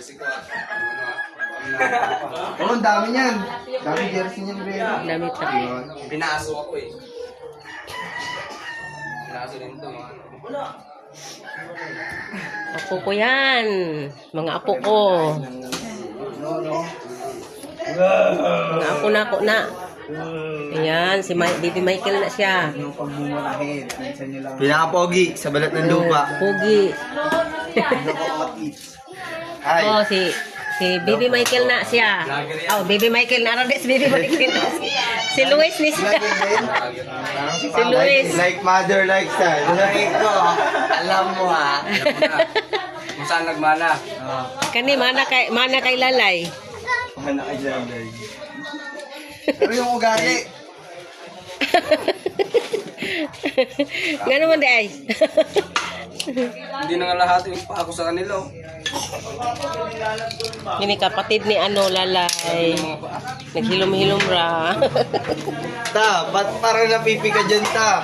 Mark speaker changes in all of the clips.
Speaker 1: jersey ko.
Speaker 2: Oo, ang dami niyan. Dami jersey niyan, Bea.
Speaker 3: Damit na.
Speaker 1: Pinaaso ako eh. Pinaaso din to.
Speaker 3: Apo ko yan. Mga apo ko. Mga apo na ako na. Ayan, si Baby Michael na siya.
Speaker 2: Yung pagmumurahin. Minsan nyo lang.
Speaker 4: Pinaka-pogi sa balat ng lupa.
Speaker 3: Pugi.
Speaker 2: Ay.
Speaker 3: Oh, si Baby Michael na siya. Oh, Baby Michael na. Ano si Baby Michael na? Si Luis ni siya. Si Luis.
Speaker 4: Like mother, like son.
Speaker 2: Ay ko, alam mo ha.
Speaker 1: Kung saan nagmana.
Speaker 3: Kani, mana kay Lalay.
Speaker 4: Mana ka dyan, guys.
Speaker 2: Pero yung ugali.
Speaker 3: Nga naman di ay.
Speaker 1: Hindi na nga lahat yung pa ako sa kanila. Oh.
Speaker 3: Ini kapatid ni Lalay. Naghilom-hilom ra.
Speaker 4: Ta, ba't parang napipi ka dyan, ta?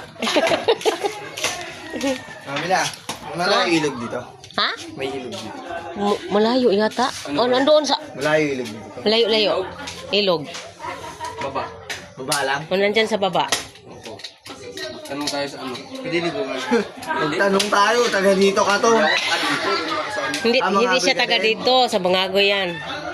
Speaker 2: Kamila.
Speaker 4: Malayo ilog dito.
Speaker 3: Ha?
Speaker 4: May ilog dito.
Speaker 3: Malayo yata. Oh, nandoon sa...
Speaker 4: Malayo ilog dito.
Speaker 3: Layo-layo. Ilog.
Speaker 1: Baba.
Speaker 4: Baba lang?
Speaker 3: O, nandyan sa baba.
Speaker 1: Opo. Tanong tayo sa ano. Piniligo nga.
Speaker 4: Magtanong tayo, taga dito ka to.
Speaker 3: Hindi,
Speaker 4: Mga
Speaker 3: hindi siya
Speaker 4: Bangagay
Speaker 3: taga
Speaker 4: ka rin?
Speaker 3: dito. Sa Bangago yan.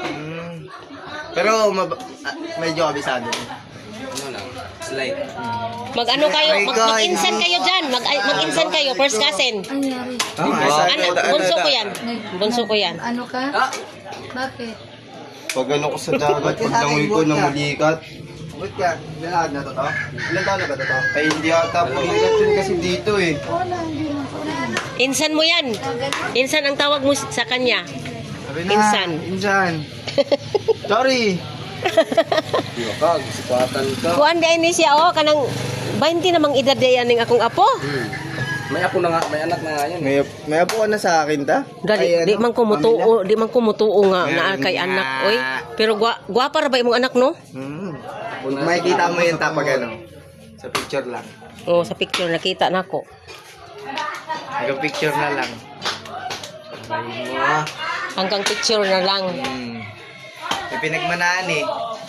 Speaker 4: Pero medyo kabisado.
Speaker 1: Ano lang. Slide.
Speaker 3: Mag-ano kayo? Mag-insan kayo dyan. Mag-insan kayo. First cousin. Bunso ko yan. Bunso ko yan.
Speaker 5: Ano ka?
Speaker 1: Ah!
Speaker 5: Bakit?
Speaker 4: Pag ano ko sa dagat, pag langoy ko na mulikat.
Speaker 2: Ba't ka? Lalakad na to to? Ilan taon na ba to to?
Speaker 4: Ay hindi ata pumikat yun kasi dito eh.
Speaker 5: Wala, hindi mo.
Speaker 3: Insan mo yan. Insan ang tawag mo sa kanya.
Speaker 4: Sabi na,
Speaker 3: Insan.
Speaker 4: Insan. Sorry.
Speaker 1: Kag, sipatan ka.
Speaker 3: Kuan di ni siya oh kanang 20 namang edad di yan ning akong apo.
Speaker 1: May apo na nga, may anak na nga yan.
Speaker 4: May apo ka na sa akin, ta?
Speaker 3: Gali,
Speaker 4: Ay,
Speaker 3: di
Speaker 4: ano?
Speaker 3: man kumutuo, di man kumutuo nga
Speaker 4: Meron
Speaker 3: na kay
Speaker 4: nga.
Speaker 3: anak oy. Pero gwapa ra ba imong anak no?
Speaker 4: Makikita mo yun, ta, pag ano. Sa picture lang.
Speaker 3: Oh, sa picture nakita nako.
Speaker 4: Hanggang picture na lang. Ay mo.
Speaker 3: Hanggang picture na lang.
Speaker 4: May pinagmanaan eh.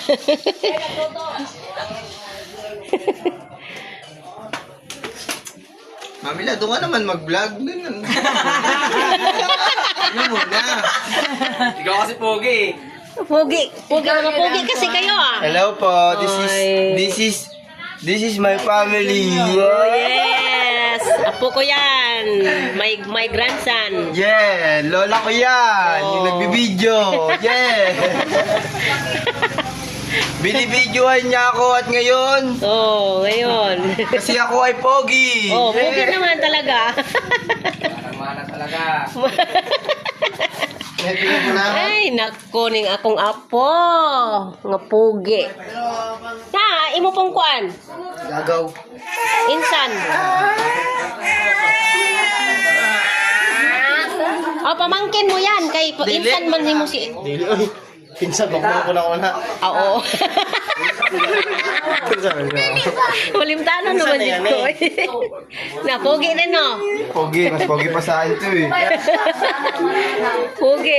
Speaker 4: Mamila, doon ka naman mag-vlog. Ganun. Ano muna?
Speaker 1: Ikaw kasi pogi eh.
Speaker 3: Pogi mga pogi kasi kayo ah.
Speaker 4: Hello po. This is my family.
Speaker 3: Oh yes. Apo ko yan. My grandson.
Speaker 4: Yeah, lola ko yan. Yung
Speaker 3: Oh.
Speaker 4: nagbibideo. Yeah. Binibidyohan niya ako at ngayon,
Speaker 3: Oh, ngayon.
Speaker 4: kasi ako ay pogi.
Speaker 3: Oh, pogi naman talaga.
Speaker 1: Mana talaga.
Speaker 4: May pinagmanaan.
Speaker 3: Ay, nako ning akong apo. Nga pogi. Ha, imo pong kuan.
Speaker 4: Gagaw.
Speaker 3: Insan. Oh, pamangkin mo yan. Kay insan man mo si...
Speaker 4: Dili, oy. Pinsan, bako na ko na.
Speaker 3: Oo. Malimtanan naman
Speaker 4: Insan na
Speaker 3: dito.
Speaker 4: yan
Speaker 3: Na, pogi rin no.
Speaker 4: Pogi, mas pogi pa sa akin to eh.
Speaker 3: Pogi.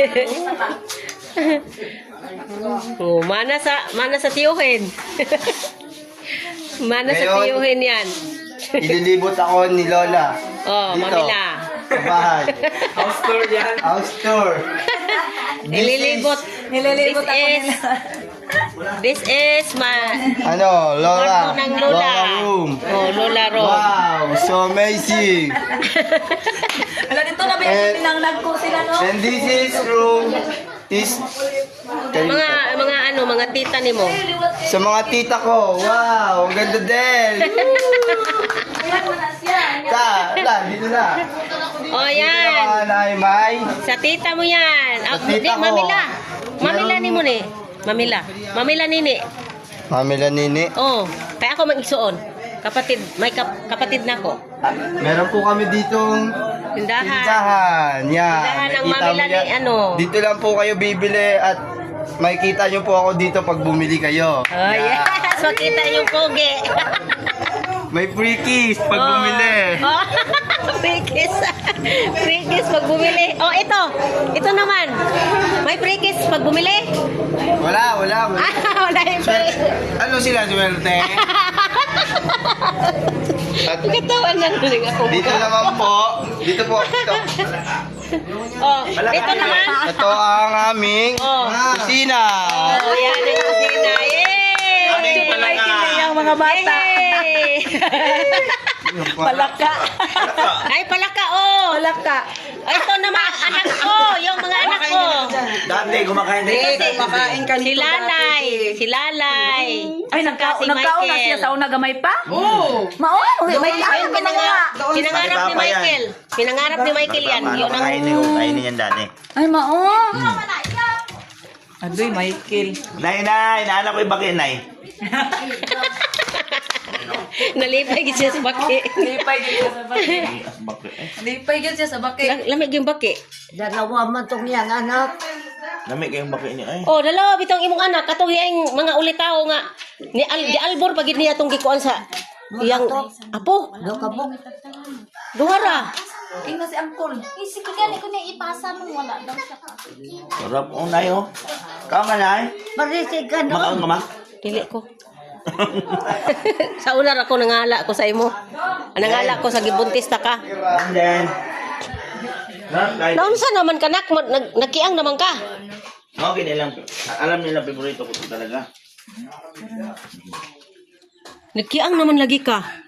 Speaker 3: Oh, mana sa tiyuhin. Mana sa
Speaker 4: Ngayon,
Speaker 3: tiyuhin yan.
Speaker 4: Ililibot ako ni Lola.
Speaker 3: Oh,
Speaker 4: Dito,
Speaker 3: mamila.
Speaker 4: Sa bahay.
Speaker 1: House tour yan.
Speaker 4: House tour.
Speaker 3: Nililibot. This is my
Speaker 4: Ano, Lola.
Speaker 3: kwarto ng Lola.
Speaker 4: Lola room.
Speaker 3: Oh, Lola room.
Speaker 4: Wow, so amazing.
Speaker 5: Wala dito na ba yung pinangnag ko sila, no?
Speaker 4: And this is room is
Speaker 3: Mga tita ni mo.
Speaker 4: sa mga tita ko. Wow, ang ganda din. Dito na.
Speaker 3: Oh,
Speaker 4: Dito
Speaker 3: yan.
Speaker 4: na, May.
Speaker 3: Sa tita mo yan.
Speaker 4: Sa
Speaker 3: Di,
Speaker 4: tita ko.
Speaker 3: mamila. Mamila ni mo ni. Mamila. Mamila nini.
Speaker 4: Mamila Nini.
Speaker 3: Oh, kaya ako mag-isuon. Kapatid, may kapatid na ko.
Speaker 4: Meron po kami ditong
Speaker 3: Tindahan.
Speaker 4: tindahan. Yan.
Speaker 3: Tindahan ng
Speaker 4: Nakita
Speaker 3: Mamila
Speaker 4: mo yan.
Speaker 3: ni ano.
Speaker 4: Dito lang po kayo bibili at makikita nyo po ako dito pag bumili kayo.
Speaker 3: Oh, yes. Makita yung pogi.
Speaker 4: May free kiss pag bumili.
Speaker 3: Oh. Free kiss. Free kiss pag bumili. Oh, ito. Ito naman. May free kiss pag bumili?
Speaker 4: Wala.
Speaker 3: Wala yung free.
Speaker 4: Ano sila, swerte? At
Speaker 3: Katawan na rin ako.
Speaker 4: dito naman po. Dito po. Ito.
Speaker 3: Oh, ito naman.
Speaker 4: Ito ang aming
Speaker 3: Oh.
Speaker 4: kusina.
Speaker 3: Oh, yan ang kusina. Yay!
Speaker 5: Yung mga bata.
Speaker 3: Yay!
Speaker 5: Palaka.
Speaker 3: Ay, palaka, oh.
Speaker 5: Palaka.
Speaker 3: Ay, ito naman, anak ko. Yung mga anak ko.
Speaker 4: Dati, kumakain
Speaker 3: Si Lalay. Si Lalay.
Speaker 5: Ay,
Speaker 3: Saka si
Speaker 5: nagkauna
Speaker 3: Michael.
Speaker 5: siya sa una gamay pa? Oo. Mao, may
Speaker 3: Yung pinangarap ni Michael. Pinangarap ni Michael yan. Yun ang...
Speaker 4: Kainin yan dati.
Speaker 5: Ay, mao. Adoy, Michael.
Speaker 4: Nay, naanak ko yung baki, nay.
Speaker 3: Nalipay gid siya sa baki.
Speaker 5: Lipay gyud siya sa baki. Lipay gyud siya sa baki.
Speaker 3: Lamig yung baki.
Speaker 6: Dalawa man tong yang anak.
Speaker 4: Nami kayong baki niya, ay.
Speaker 3: Oh, dalawa bitong imong anak katong yang mga ulitaw nga ni di albor pagid niya tong gikuan sa yang apo.
Speaker 6: Do ka po.
Speaker 3: Duhara.
Speaker 5: Tingnan si Angkol.
Speaker 7: Isip ko gani ko na ipasa mo wala daw siya.
Speaker 4: Sarap, nay, oh. Kaon ka, nay?
Speaker 6: Marisig ka no.
Speaker 4: Makaon ka, ma?
Speaker 3: Dili ko. Sa unar ako nangala ko sa imo. Nangala ko sa gibuntis ta ka.
Speaker 4: And then,
Speaker 3: Naunsa naman ka nak nagkiang naman ka.
Speaker 4: okay nilang, alam nila favorito ko talaga.
Speaker 3: Nagkiang naman lagi ka.